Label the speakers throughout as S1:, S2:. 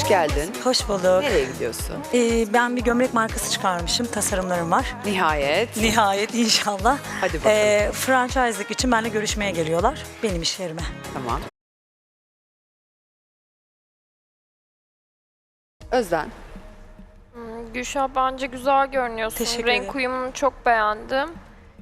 S1: geldin.
S2: Hoş bulduk.
S1: Nereye gidiyorsun?
S2: Ben bir gömlek markası çıkarmışım. Tasarımlarım var.
S1: Nihayet.
S2: Nihayet inşallah.
S1: Hadi bakalım.
S2: Franchise'lık için benimle görüşmeye geliyorlar. Benim iş yerime.
S1: Tamam. Özden.
S3: Gülşah bence güzel görünüyorsun.
S2: Teşekkür
S3: Renk
S2: ederim.
S3: uyumunu çok beğendim.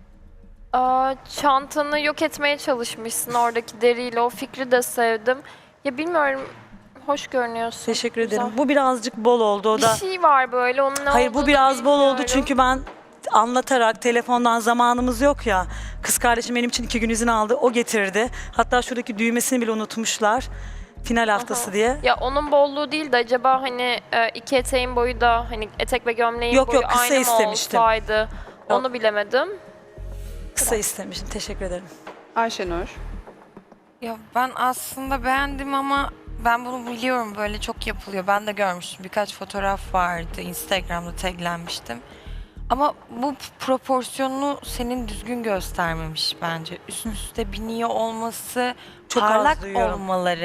S3: Çantanı yok etmeye çalışmışsın oradaki deriyle. O fikri de sevdim. Ya bilmiyorum, hoş görünüyorsun.
S2: Teşekkür
S3: Güzel.
S2: ederim. Bu birazcık bol oldu. O
S3: Bir
S2: da.
S3: şey var böyle, onun ne
S2: Hayır, bu
S3: olduğunu
S2: biraz bol oldu
S3: bilmiyorum.
S2: çünkü ben anlatarak telefondan zamanımız yok ya. Kız kardeşim benim için 2 gün izin aldı. O getirdi. Hatta şuradaki düğmesini bile unutmuşlar. Final haftası
S3: Aha.
S2: diye.
S3: Ya onun bolluğu değil de acaba hani iki eteğin boyu da hani etek ve gömleğin
S2: Yok,
S3: boyu
S2: yok, kısa
S3: aynı mı
S2: istemiştim.
S3: olsaydı? Onu bilemedim.
S2: Kısa istemiştim. Teşekkür ederim.
S1: Ayşenur.
S4: Ya ben aslında beğendim ama ben bunu biliyorum, böyle çok yapılıyor. Ben de görmüştüm. Birkaç fotoğraf vardı. Instagram'da taglenmiştim. Ama bu proporsiyonunu senin düzgün göstermemiş bence. Üst üste biniyor olması,
S2: Çok az
S4: parlak
S2: duyuyorum.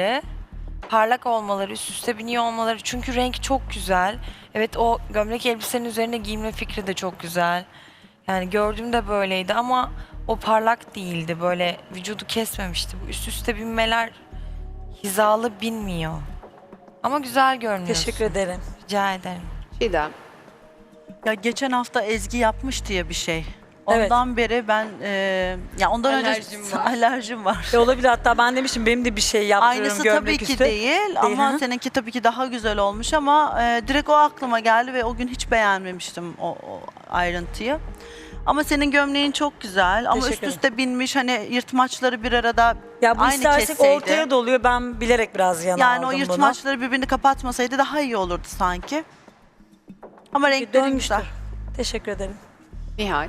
S4: olmaları, üst üste biniyor olmaları. Çünkü renk çok güzel. Evet, o gömlek elbisenin üzerine giyme fikri de çok güzel. Yani gördüğümde böyleydi ama o parlak değildi. Böyle vücudu kesmemişti. Bu üst üste binmeler hizalı binmiyor. Ama güzel görünüyorsun.
S2: Teşekkür ederim.
S4: Rica ederim.
S1: Çiğdem.
S5: Ya geçen hafta Ezgi yapmış diye bir şey.
S2: Evet.
S5: Ondan beri ben ya ondan
S4: Alerjim
S5: önce
S4: var.
S5: alerjim var.
S2: Olabilir, hatta ben demişim benim de bir şey yaptırıyorum
S5: Aynısı
S2: gömlek
S5: tabii ki
S2: üstü.
S5: değil ama
S2: ha?
S5: seninki tabii ki daha güzel olmuş ama direkt o aklıma geldi ve o gün hiç beğenmemiştim o ayrıntıyı. Ama senin gömleğin çok güzel ama
S2: Teşekkür
S5: üst
S2: ederim.
S5: üste binmiş, hani yırtmaçları bir arada
S2: Ya bu
S5: aynı
S2: istersek
S5: kesseydi.
S2: ortaya doluyor. Ben bilerek biraz yana
S5: Yani o
S2: aldım
S5: yırtmaçları birbirini kapatmasaydı daha iyi olurdu sanki. Ama
S2: bunu.
S5: renkleri
S2: Dönmüştür.
S5: güzel.
S2: Teşekkür ederim.
S1: Nihal.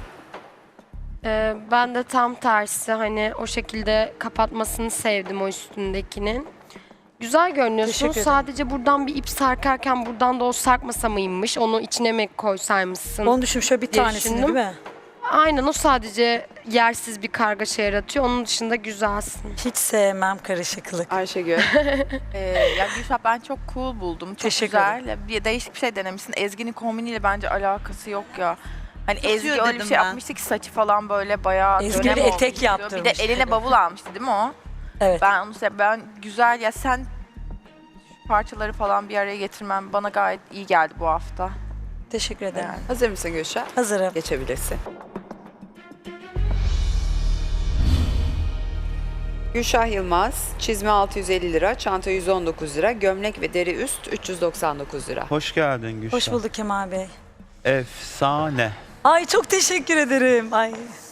S6: Ben de tam tersi, hani o şekilde kapatmasını sevdim o üstündekinin. Güzel görünüyorsun.
S2: Teşekkür ederim.
S6: Sadece buradan bir ip sarkarken buradan da o sarkmasa mıymış? Onu içine mi koysaymışsın?
S2: Onu düşün, şöyle bir
S6: diye
S2: tanesini değil
S6: düşündüm.
S2: mi?
S6: Aynen, o sadece yersiz bir kargaşa yaratıyor. Onun dışında güzelsin.
S2: Hiç sevmem karışıklık.
S1: Ayşegül.
S7: Ya Gülşah, ben çok cool buldum. Çok
S2: Teşekkür
S7: güzel. Bir değişik bir şey denemişsin. Ezgi'nin kombiniyle bence alakası yok ya. Hani
S5: Tutuyor
S7: Ezgi öyle bir
S5: dedim
S7: şey
S5: ben.
S7: yapmıştı ki saçı falan böyle bayağı
S2: Ezgi
S7: dönem
S2: bir
S7: olmuş
S2: etek
S7: diyor.
S2: yaptırmış.
S7: Bir de eline bavul almıştı değil mi o?
S2: Evet.
S7: Ben güzel ya, sen şu parçaları falan bir araya getirmen bana gayet iyi geldi bu hafta.
S2: Teşekkür ederim.
S7: Yani.
S1: Hazır mısın Gülşah?
S2: Hazırım.
S1: Geçebilirsin. Gülşah Yılmaz, çizme 650 lira, çanta 119 lira, gömlek ve deri üst 399 lira.
S8: Hoş geldin Gülşah.
S2: Hoş bulduk Kemal Bey.
S8: Efsane.
S2: Ay çok teşekkür ederim. Ay.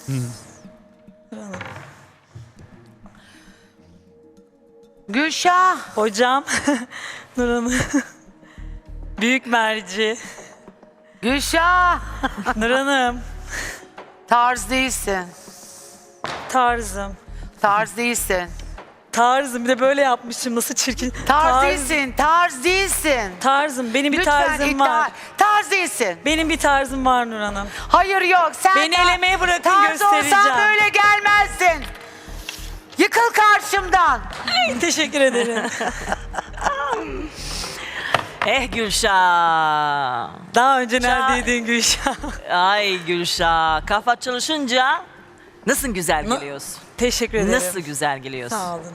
S9: Gülşah,
S2: Hocam. Nur Hanım. Büyük merci.
S9: Gülşah.
S2: Nur Hanım.
S9: Tarz değilsin.
S2: Tarzım.
S9: Tarz değilsin.
S2: Tarzım. Bir de böyle yapmışım. Nasıl çirkin.
S9: Tarz değilsin. Tarz değilsin.
S2: Tarzım. Benim bir
S9: Lütfen
S2: tarzım
S9: iddia.
S2: var.
S9: Tarz değilsin.
S2: Benim bir tarzım var Nur Hanım.
S9: Hayır, yok. Sen
S2: Beni elemeye bırakın,
S9: tarz
S2: göstereceğim.
S9: olsan böyle gelmezdin. Yıkıl karşımdan.
S2: Teşekkür ederim.
S10: Gülşah.
S2: Daha önce neredeydin Gülşah?
S10: Ay Gülşah. Kafa çalışınca nasıl güzel geliyorsun?
S2: Teşekkür ederim.
S10: Nasıl güzel geliyorsun?
S2: Sağ olun.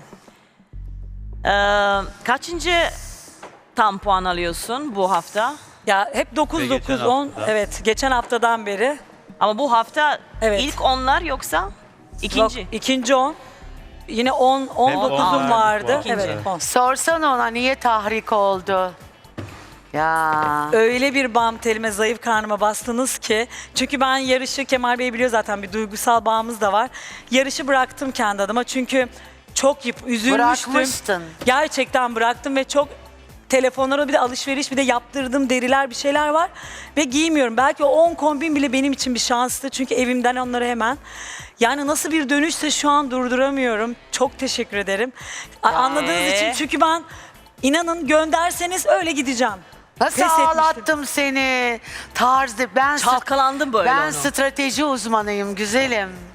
S10: Kaçıncı tam puan alıyorsun bu hafta?
S2: Ya hep 9
S8: Ve
S2: 9
S8: geçen
S2: 10.
S8: hafta.
S2: Evet, geçen haftadan beri.
S10: Ama bu hafta
S2: Evet.
S10: ilk onlar yoksa ikinci?
S2: Yok, ikinci 10. Yine 10 19'um
S8: on
S2: vardı.
S8: verdi puan.
S2: Evet,
S10: Evet.
S2: 10.
S9: Sorsana ona niye tahrik oldu. Ya.
S2: Öyle bir bam telime, zayıf karnıma bastınız ki. Çünkü ben yarışı, Kemal Bey biliyor zaten, bir duygusal bağımız da var. Yarışı bıraktım kendi adıma çünkü çok üzülmüştüm.
S9: Bırakmıştın.
S2: Gerçekten bıraktım ve çok telefonlara, bir de alışveriş, bir de yaptırdığım deriler, bir şeyler var. Ve giymiyorum. Belki o 10 kombin bile benim için bir şanstı. Çünkü evimden onları hemen. Yani nasıl bir dönüşse şu an durduramıyorum. Çok teşekkür ederim. Anladığınız için, çünkü ben inanın gönderseniz öyle gideceğim.
S9: Nasıl
S2: Pes etmiştim.
S9: ağlattım seni? Tarzı.
S10: Çalkalandım böyle
S9: Ben
S10: onu.
S9: strateji uzmanıyım güzelim.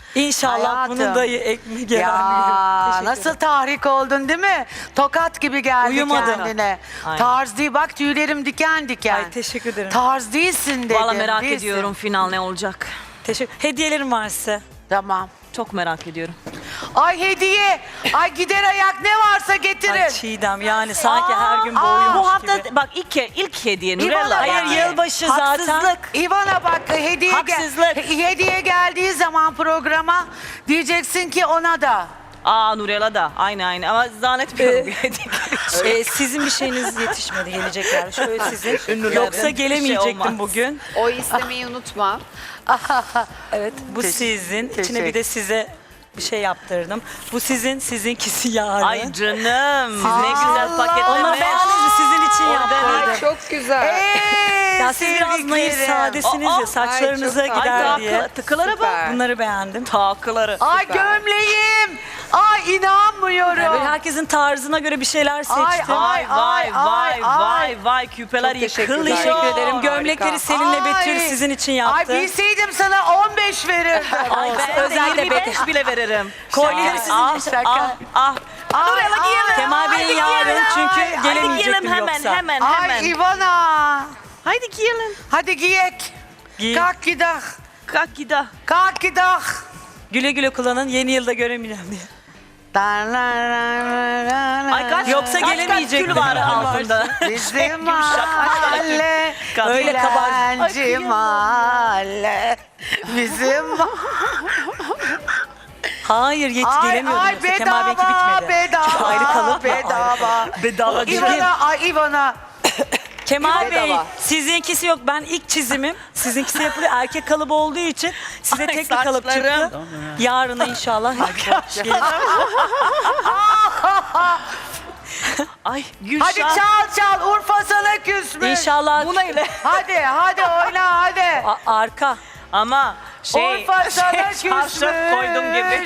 S2: İnşallah
S9: Hayatım.
S2: bunun da ekmeği gelen
S9: Ya
S2: bir gün. Teşekkür
S9: nasıl
S2: ederim.
S9: tahrik oldun değil mi? Tokat gibi geldi
S2: Uyumadım.
S9: kendine.
S10: Aynen.
S9: Tarz değil, bak tüylerim diken diken.
S2: Ay teşekkür ederim.
S9: Tarz değilsin dedim.
S10: Valla merak
S9: değilsin.
S10: ediyorum final ne olacak.
S2: Hediyelerim var size.
S9: Tamam.
S10: Çok merak ediyorum.
S9: Ay hediye. Ay gider ayak ne varsa getirin.
S2: Ay Çiğdem yani sanki her gün boğuyormuş
S10: Bu hafta
S2: gibi.
S10: bak ilk hediye
S9: İvana
S10: Nurella.
S9: bak.
S2: Hayır yılbaşı zaten.
S10: Haksızlık.
S9: İvana bak hediye,
S10: Haksızlık.
S9: hediye geldiği zaman programa diyeceksin ki ona da.
S10: Nurella da aynı ama zannetmiyorum bir hediye.
S2: Sizin bir şeyiniz yetişmedi gelecekler. Şöyle sizin.
S10: Ünlülerden
S2: Yoksa
S10: bir şey
S2: gelemeyecektim
S10: olmaz.
S2: bugün.
S1: O istemeyi unutma.
S2: Evet bu sizin. İçine bir
S9: teşekkür.
S2: de size bir şey yaptırdım. Bu sizin, sizinkisi yarın.
S10: Ay canım ne güzel paketlemiş.
S2: Onlar beğendiniz sizin için
S1: Ay
S2: yaptırdım.
S1: çok güzel.
S2: Ya siz biraz naif sadesiniz ya saçlarınıza
S1: Ay, çok
S2: gider
S1: tatlı.
S2: diye.
S10: Tıkılara bak.
S1: Süper.
S2: Bunları beğendim.
S10: Takıları.
S9: Ay gömleğim. Ay inanmıyorum.
S2: Böyle herkesin tarzına göre bir şeyler seçtim.
S9: Ay,
S10: Vay küpeler
S1: Çok teşekkürler.
S10: yıkılıyor.
S2: Teşekkür ederim.
S1: Harika.
S2: Gömlekleri Selin'le Betül
S9: Ay.
S2: sizin için
S9: Ay
S2: yaptı.
S9: bilseydim sana 15 verirdim.
S10: Ay ben de
S2: Özel de
S10: 25 bile veririm.
S2: Kolyeleri sizin için.
S10: Nurella giyelim.
S2: Kemal Bey'in yarın çünkü gelemeyecektim
S10: hemen,
S2: yoksa.
S10: hemen.
S9: Ay Ivana.
S10: Haydi giyelim.
S9: Hadi giyek.
S2: Giyin.
S9: Kalk gidelim.
S10: Kalk gidelim.
S9: Kalk gidelim.
S2: Güle güle kullanın. Yeni yılda göremeyeceğim diye.
S10: Ay kaç,
S2: Yoksa
S10: kaç
S2: gelemeyecektim.
S10: kül var altında.
S9: Bizim mahalle,
S2: Öyle kabar.
S9: dilenci mahalle. Bizim
S2: Hayır gelemiyordum
S9: ay
S2: yoksa. Kemal Bey'inki bitmedi. Çok ayrı
S9: bedava,
S2: kalıp
S9: bedava.
S10: Bedava
S9: Ivana, ay Ivana.
S2: Kemal Bey
S1: Bedava.
S2: sizinkisi yok. Ben ilk çizimim. Sizinkisi yapılıyor. Erkek kalıbı olduğu için size
S10: Ay,
S2: tek bir kalıp
S10: saçlarım.
S2: çıktı. Yarına inşallah.
S10: Ay Gülşah.
S9: Hadi çal Urfa sana küsmüş.
S2: İnşallah
S10: Bu neyle?
S9: Hadi oyna hadi.
S2: arka.
S10: Ama
S9: Urfa sana
S10: çarşaf koydum gibi.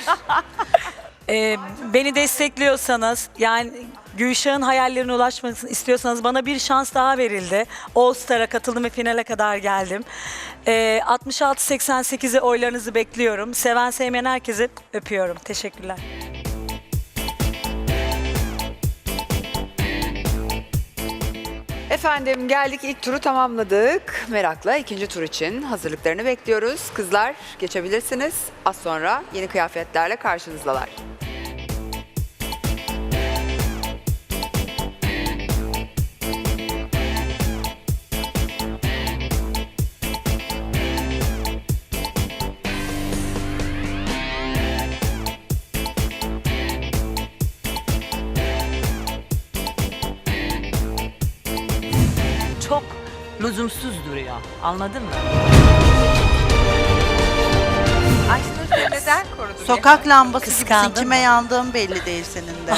S2: Beni destekliyorsanız yani Gülşah'ın hayallerine ulaşmasını istiyorsanız bana bir şans daha verildi. All Star'a katıldım ve finale kadar geldim. 66-88'e oylarınızı bekliyorum. Seven sevmeyen herkesi öpüyorum. Teşekkürler.
S1: Efendim geldik ilk turu tamamladık. Merakla ikinci tur için hazırlıklarını bekliyoruz. Kızlar geçebilirsiniz. Az sonra yeni kıyafetlerle karşınızdalar.
S10: Çok lüzumsuz duruyor. Anladın mı?
S7: Ayşenur seni neden korudu?
S5: Sokak lambası
S10: Kıskandın
S5: gibisin. Kime
S10: mı?
S5: yandığın belli değil senin de.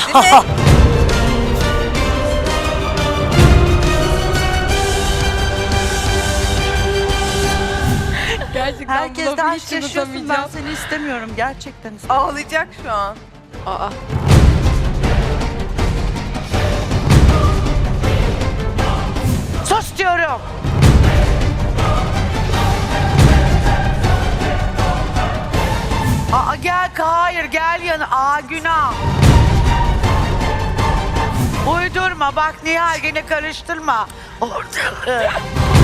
S6: Gerçekten
S5: Herkes de
S6: buna
S5: aşk
S6: hiç
S5: yaşıyorsun. Ben
S6: unutamayacağım.
S5: seni istemiyorum. Gerçekten istemiyorum.
S7: Ağlayacak şu an.
S1: Aa,
S9: Sus diyorum. Hayır gel yana. Günah. Uydurma bak Nihal gene karıştırma. Orada.